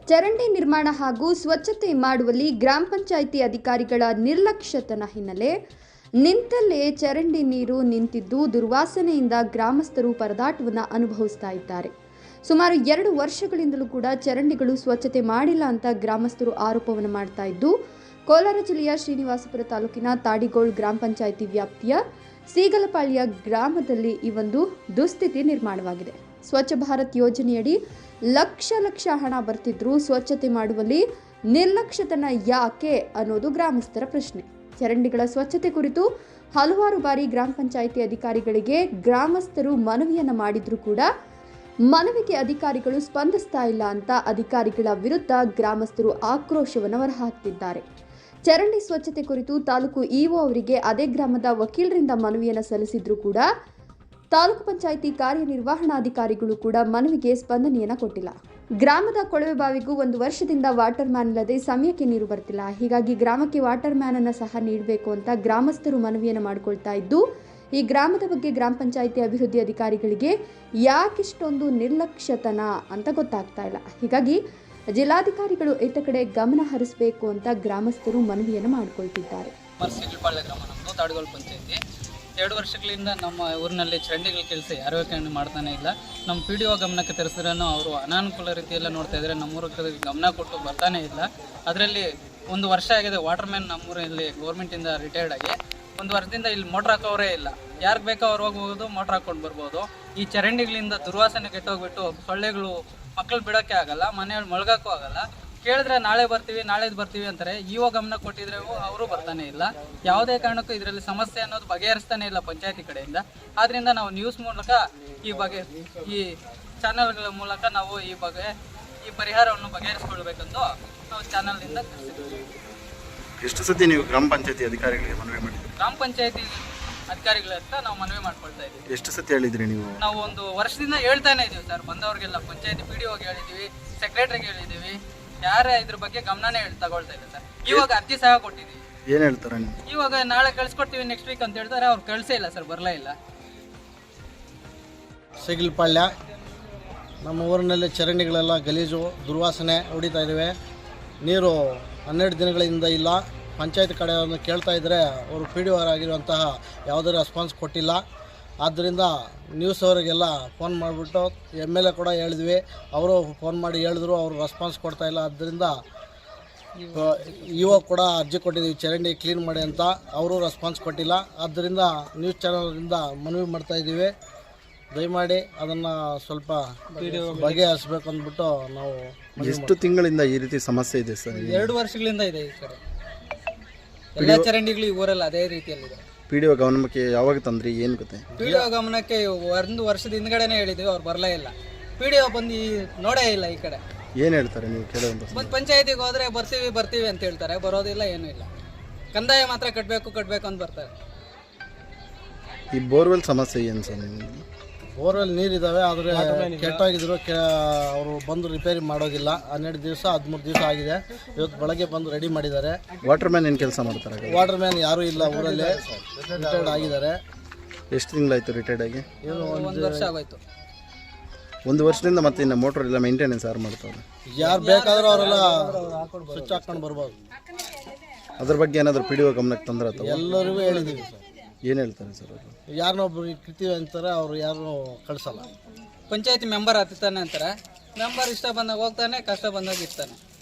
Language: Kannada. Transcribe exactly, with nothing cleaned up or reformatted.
ಚರಂಡಿ ನಿರ್ಮಾಣ ಹಾಗೂ ಸ್ವಚ್ಛತೆ ಮಾಡುವಲ್ಲಿ ಗ್ರಾಮ ಪಂಚಾಯಿತಿ ಅಧಿಕಾರಿಗಳ ನಿರ್ಲಕ್ಷ್ಯತನ ಹಿನ್ನೆಲೆ ನಿಂತಲ್ಲೇ ಚರಂಡಿ ನೀರು ನಿಂತಿದ್ದು ದುರ್ವಾಸನೆಯಿಂದ ಗ್ರಾಮಸ್ಥರು ಪರದಾಟವನ್ನು ಅನುಭವಿಸ್ತಾ ಇದ್ದಾರೆ. ಸುಮಾರು ಎರಡು ವರ್ಷಗಳಿಂದಲೂ ಕೂಡ ಚರಂಡಿಗಳು ಸ್ವಚ್ಛತೆ ಮಾಡಿಲ್ಲ ಅಂತ ಗ್ರಾಮಸ್ಥರು ಆರೋಪವನ್ನು ಮಾಡ್ತಾ ಇದ್ದು, ಕೋಲಾರ ಜಿಲ್ಲೆಯ ಶ್ರೀನಿವಾಸಪುರ ತಾಲೂಕಿನ ತಾಡಿಗೋಳ್ ಗ್ರಾಮ ಪಂಚಾಯಿತಿ ವ್ಯಾಪ್ತಿಯ ಸೀಗಲಪಾಳ್ಯ ಗ್ರಾಮದಲ್ಲಿ ಈ ಒಂದು ದುಸ್ಥಿತಿ ನಿರ್ಮಾಣವಾಗಿದೆ. ಸ್ವಚ್ಛ ಭಾರತ್ ಯೋಜನೆಯಡಿ ಲಕ್ಷ ಲಕ್ಷ ಹಣ ಬರ್ತಿದ್ರು ಸ್ವಚ್ಛತೆ ಮಾಡುವಲ್ಲಿ ನಿರ್ಲಕ್ಷ್ಯತನ ಯಾಕೆ ಅನ್ನೋದು ಗ್ರಾಮಸ್ಥರ ಪ್ರಶ್ನೆ. ಚರಂಡಿಗಳ ಸ್ವಚ್ಛತೆ ಕುರಿತು ಹಲವಾರು ಬಾರಿ ಗ್ರಾಮ ಪಂಚಾಯಿತಿ ಅಧಿಕಾರಿಗಳಿಗೆ ಗ್ರಾಮಸ್ಥರು ಮನವಿಯನ್ನ ಮಾಡಿದ್ರು ಕೂಡ ಮನವಿಗೆ ಅಧಿಕಾರಿಗಳು ಸ್ಪಂದಿಸ್ತಾ ಇಲ್ಲ ಅಂತ ಅಧಿಕಾರಿಗಳ ವಿರುದ್ಧ ಗ್ರಾಮಸ್ಥರು ಆಕ್ರೋಶವನ್ನು ಹೊರಹಾಕ್ತಿದ್ದಾರೆ. ಚರಂಡಿ ಸ್ವಚ್ಛತೆ ಕುರಿತು ತಾಲೂಕು ಇಒ ಅವರಿಗೆ ಅದೇ ಗ್ರಾಮದ ವಕೀಲರಿಂದ ಮನವಿಯನ್ನು ಸಲ್ಲಿಸಿದ್ರು ಕೂಡ ತಾಲೂಕು ಪಂಚಾಯಿತಿ ಕಾರ್ಯನಿರ್ವಹಣಾಧಿಕಾರಿಗಳು ಕೂಡ ಮನವಿಗೆ ಸ್ಪಂದನೆಯನ್ನು ಕೊಟ್ಟಿಲ್ಲ. ಗ್ರಾಮದ ಕೊಳವೆ ಬಾವಿಗೂ ಒಂದು ವರ್ಷದಿಂದ ವಾಟರ್ ಮ್ಯಾನ್ ಇಲ್ಲದೆ ಸಮಯಕ್ಕೆ ನೀರು ಬರ್ತಿಲ್ಲ. ಹೀಗಾಗಿ ಗ್ರಾಮಕ್ಕೆ ವಾಟರ್ ಮ್ಯಾನ್ ಅನ್ನು ಸಹ ನೀಡಬೇಕು ಅಂತ ಗ್ರಾಮಸ್ಥರು ಮನವಿಯನ್ನು ಮಾಡಿಕೊಳ್ತಾ ಇದ್ದು, ಈ ಗ್ರಾಮದ ಬಗ್ಗೆ ಗ್ರಾಮ ಪಂಚಾಯಿತಿ ಅಭಿವೃದ್ಧಿ ಅಧಿಕಾರಿಗಳಿಗೆ ಯಾಕಿಷ್ಟೊಂದು ನಿರ್ಲಕ್ಷ್ಯತನ ಅಂತ ಗೊತ್ತಾಗ್ತಾ ಇಲ್ಲ. ಹೀಗಾಗಿ ಜಿಲ್ಲಾಧಿಕಾರಿಗಳು ಇತ್ತ ಕಡೆ ಗಮನ ಹರಿಸಬೇಕು ಅಂತ ಗ್ರಾಮಸ್ಥರು ಮನವಿಯನ್ನು ಮಾಡಿಕೊಳ್ತಿದ್ದಾರೆ. ಎರಡು ವರ್ಷಗಳಿಂದ ನಮ್ಮ ಊರಿನಲ್ಲಿ ಚರಂಡಿಗಳ ಕೆಲಸ ಯಾರೋ ಮಾಡ್ತಾನೆ ಇಲ್ಲ. ನಮ್ಮ ಪಿ ಡಿ ಒ ಗಮನಕ್ಕೆ ತರಿಸಿದ್ರೂ ಅವರು ಅನಾನುಕೂಲ ರೀತಿಯೆಲ್ಲ ನೋಡ್ತಾ ಇದ್ದಾರೆ. ನಮ್ಮೂರಿಗೆ ಗಮನ ಕೊಟ್ಟು ಬರ್ತಾನೆ ಇಲ್ಲ. ಅದರಲ್ಲಿ ಒಂದು ವರ್ಷ ಆಗಿದೆ ವಾಟರ್ ಮ್ಯಾನ್ ನಮ್ಮೂರಲ್ಲಿ ಗೌರ್ಮೆಂಟಿಂದ ರಿಟೈರ್ಡ್ ಆಗಿ ಒಂದು ವರ್ಷದಿಂದ ಇಲ್ಲಿ ಮೋಟ್ರ್ ಹಾಕೋರೇ ಇಲ್ಲ. ಯಾರಿಗೆ ಬೇಕೋ ಅವ್ರು ಹೋಗ್ಬೋದು, ಮೋಟ್ರ್ ಹಾಕೊಂಡು ಬರ್ಬೋದು. ಈ ಚರಂಡಿಗಳಿಂದ ದುರ್ವಾಸನೆ ಕೆಟ್ಟೋಗ್ಬಿಟ್ಟು ಸೊಳ್ಳೆಗಳು ಮಕ್ಕಳು ಬಿಡೋಕ್ಕೆ ಆಗಲ್ಲ, ಮನೆಯಲ್ಲಿ ಮಳ್ಗೋಕ್ಕೂ ಆಗಲ್ಲ. ಕೇಳಿದ್ರೆ ನಾಳೆ ಬರ್ತೀವಿ ನಾಳೆದು ಬರ್ತೀವಿ ಅಂತಾರೆ. ಇವಾಗ ಗಮನ ಕೊಟ್ಟಿದ್ರೆ ಅವರು ಬರ್ತಾನೆ ಇಲ್ಲ. ಯಾವುದೇ ಕಾರಣಕ್ಕೂ ಇದರಲ್ಲಿ ಸಮಸ್ಯೆ ಅನ್ನೋದು ಬಗೆಹರಿಸ್ತಾನೆ ಇಲ್ಲ ಪಂಚಾಯತಿ ಕಡೆಯಿಂದ. ಆದ್ರಿಂದ ನಾವು ನ್ಯೂಸ್ ಮೂಲಕ ಈ ಬಗ್ಗೆ ಈ ಚಾನೆಲ್ಗಳ ಮೂಲಕ ನಾವು ಈ ಬಗ್ಗೆ ಈ ಪರಿಹಾರವನ್ನು ಬಗೆಹರಿಸಿಕೊಳ್ಬೇಕೆಂದು ನಾವು ಚಾನೆಲ್ನಿಂದ ತಿಳಿಸಿದ್ದೀವಿ. ಎಷ್ಟು ಸತಿ ನೀವು ಗ್ರಾಮ ಪಂಚಾಯತಿ ಅಧಿಕಾರಿಗಳಿಗೆ ಮನವಿ ಮಾಡಿದ್ರಿ? ಗ್ರಾಮ ಪಂಚಾಯತಿ ಅಧಿಕಾರಿಗಳ ಹತ್ರ ನಾವು ಮನವಿ ಮಾಡ್ಕೊಳ್ತಾ ಇದ್ದೀವಿ. ಎಷ್ಟು ಸತಿ ಹೇಳಿದ್ರಿ ನೀವು? ನಾವು ಒಂದು ವರ್ಷದಿಂದ ಹೇಳ್ತಾನೆ ಇದೀವಿ ಸರ್. ಬಂದವ್ರಿಗೆಲ್ಲ ಪಂಚಾಯತಿ ಪಿ ಡಿ ಒಗೆ ಹೇಳಿದ್ದೀವಿ, ಸೆಕ್ರೆಟರಿಗೆ ಹೇಳಿದ್ದೀವಿ. ಯಾರೇ ಇದ್ರ ಬಗ್ಗೆ ಗಮನನೇ ತಗೊಳ್ತಾ ಇಲ್ಲ ಸರ್. ಇವಾಗ ಅರ್ಜಿ ಸಹ ಕೊಟ್ಟಿದ್ದೀವಿ. ಏನ್ ಹೇಳ್ತಾರೆ? ಇವಾಗ ನಾಳೆ ಕಳ್ಸಿಕೊಡ್ತೀವಿ ನೆಕ್ಸ್ಟ್ ವೀಕ್ ಅಂತ ಹೇಳ್ತಾರೆ. ಅವ್ರು ಕಳ್ಸೇ ಇಲ್ಲ ಸರ್, ಬರಲೇ ಇಲ್ಲ. ಸೀಗಲಪಾಳ್ಯ ನಮ್ಮ ಊರಿನಲ್ಲಿ ಚರಂಡಿಗಳೆಲ್ಲ ಗಲೀಜು ದುರ್ವಾಸನೆ ಹೊಡಿತಾ ಇದ್ದಾವೆ. ನೀರು ಹನ್ನೆರಡು ದಿನಗಳಿಂದ ಇಲ್ಲ. ಪಂಚಾಯತ್ ಕಡೆಯನ್ನು ಕೇಳ್ತಾ ಇದ್ದರೆ ಅವರು ಪಿ ಡಿ ಆರ್ ಆಗಿರುವಂತಹ ಯಾವುದೇ ರೆಸ್ಪಾನ್ಸ್ ಕೊಟ್ಟಿಲ್ಲ. ಆದ್ದರಿಂದ ನ್ಯೂಸ್ ಅವರಿಗೆಲ್ಲ ಫೋನ್ ಮಾಡಿಬಿಟ್ಟು ಎಮ್ ಎಲ್ ಎ ಕೂಡ ಹೇಳಿದ್ವಿ. ಅವರು ಫೋನ್ ಮಾಡಿ ಹೇಳಿದ್ರು, ಅವರು ರೆಸ್ಪಾನ್ಸ್ ಕೊಡ್ತಾ ಇಲ್ಲ. ಆದ್ದರಿಂದ ಇವಾಗ ಕೂಡ ಅರ್ಜಿ ಕೊಟ್ಟಿದ್ದೀವಿ ಚರಂಡಿ ಕ್ಲೀನ್ ಮಾಡಿ ಅಂತ, ಅವರು ರೆಸ್ಪಾನ್ಸ್ ಕೊಟ್ಟಿಲ್ಲ. ಆದ್ದರಿಂದ ನ್ಯೂಸ್ ಚಾನಲಿಂದ ಮನವಿ ಮಾಡ್ತಾ ಇದ್ದೀವಿ, ದಯಮಾಡಿ ಅದನ್ನು ಸ್ವಲ್ಪ ಬಗೆಹರಿಸಬೇಕು ಅಂದ್ಬಿಟ್ಟು ನಾವು. ಎಷ್ಟು ತಿಂಗಳಿಂದ ಈ ರೀತಿ ಸಮಸ್ಯೆ ಇದೆ ಸರ್? ಎರಡು ವರ್ಷಗಳಿಂದ ಇದೆ ಈ ಕಡೆ ಎಲ್ಲ ಚರಂಡಿಗಳು ಈ ಊರಲ್ಲಿ ಅದೇ ರೀತಿಯಲ್ಲಿದೆ. ಪಿ ಡಿ ಒ ಗಮನಕ್ಕೆ ಯಾವಾಗ ತಂದ್ರಿ? ಏನು ಗೊತ್ತೆ? ಪಿ ಡಿ ಒ ಗಮನಕ್ಕೆ ಒಂದು ವರ್ಷದ ಹಿಂದ್ಗಡೆನೇ ಹೇಳಿದ್ವಿ, ಅವ್ರು ಬರಲೇ ಇಲ್ಲ. ಪಿ ಡಿ ಒ ಬಂದು ನೋಡೇ ಇಲ್ಲ ಈ ಕಡೆ. ಏನು ಹೇಳ್ತಾರೆ ನೀವು ಕೇಳೋದು? ಒಂದು ಪಂಚಾಯತಿಗೆ ಹೋದ್ರೆ ಬರ್ತೀವಿ ಬರ್ತೀವಿ ಅಂತ ಹೇಳ್ತಾರೆ, ಬರೋದಿಲ್ಲ, ಏನೂ ಇಲ್ಲ. ಕಂದಾಯ ಮಾತ್ರ ಕಟ್ಟಬೇಕು ಕಟ್ಟಬೇಕು ಅಂತ ಬರ್ತಾರೆ. ಈ ಬೋರ್ವೆಲ್ ಸಮಸ್ಯೆ ಏನು ಸರ್? ನಿಮಗೆ ಬೋರ್ವೆಲ್ ನೀರಿದ್ದಾವೆ, ಆದರೆ ಕೆಟ್ಟೋಗಿದ್ರು. ಕೆ ಅವರು ಬಂದು ರಿಪೇರಿ ಮಾಡೋದಿಲ್ಲ. ಹನ್ನೆರಡು ದಿವಸ ಹದಿಮೂರು ದಿವಸ ಆಗಿದೆ. ಇವತ್ತು ಬೆಳಗ್ಗೆ ಬಂದು ರೆಡಿ ಮಾಡಿದ್ದಾರೆ. ವಾಟರ್ ಮ್ಯಾನ್ ಏನು ಕೆಲಸ ಮಾಡ್ತಾರೆ? ವಾಟರ್ ಮ್ಯಾನ್ ಯಾರೂ ಇಲ್ಲ ಊರಲ್ಲಿ, ರಿಟೈರ್ಡ್ ಆಗಿದ್ದಾರೆ. ಎಷ್ಟು ತಿಂಗಳಾಯಿತು ರಿಟೈರ್ಡ್ ಆಗಿ? ಏನು ಒಂದು ವರ್ಷ ಆಗೋಯ್ತು. ಒಂದು ವರ್ಷದಿಂದ ಮತ್ತೆ ಇನ್ನು ಮೋಟ್ರ್ ಎಲ್ಲ ಮೇಂಟೆನೆನ್ಸ್ ಯಾರು ಮಾಡ್ತಾರೆ? ಯಾರು ಬೇಕಾದರೂ ಅವರೆಲ್ಲ ಸ್ವಿಚ್ ಹಾಕ್ಕೊಂಡು ಬರ್ಬೋದು. ಅದ್ರ ಬಗ್ಗೆ ಏನಾದರೂ ಪಿ ಡಿ ಒ ಗಮನಕ್ಕೆ ತಂದ್ರೆ ಅಥವಾ? ಎಲ್ಲರಿಗೂ ಹೇಳಿದ್ದೀವಿ ಸರ್. ಏನು ಹೇಳ್ತಾರೆ ಸರ್ ಅವರು? ಯಾರನ್ನೊಬ್ರು ಇರ್ತೀವಿ ಅಂತಾರೆ, ಅವರು ಯಾರನ್ನೂ ಕಳಿಸಲ್ಲ. ಪಂಚಾಯತಿ ಮೆಂಬರ್ ಹತ್ತಾನೆ ಅಂತಾರೆ. ಮೆಂಬರ್ ಇಷ್ಟ ಬಂದಾಗ ಹೋಗ್ತಾನೆ, ಕಷ್ಟ ಬಂದಾಗ ಇರ್ತಾನೆ.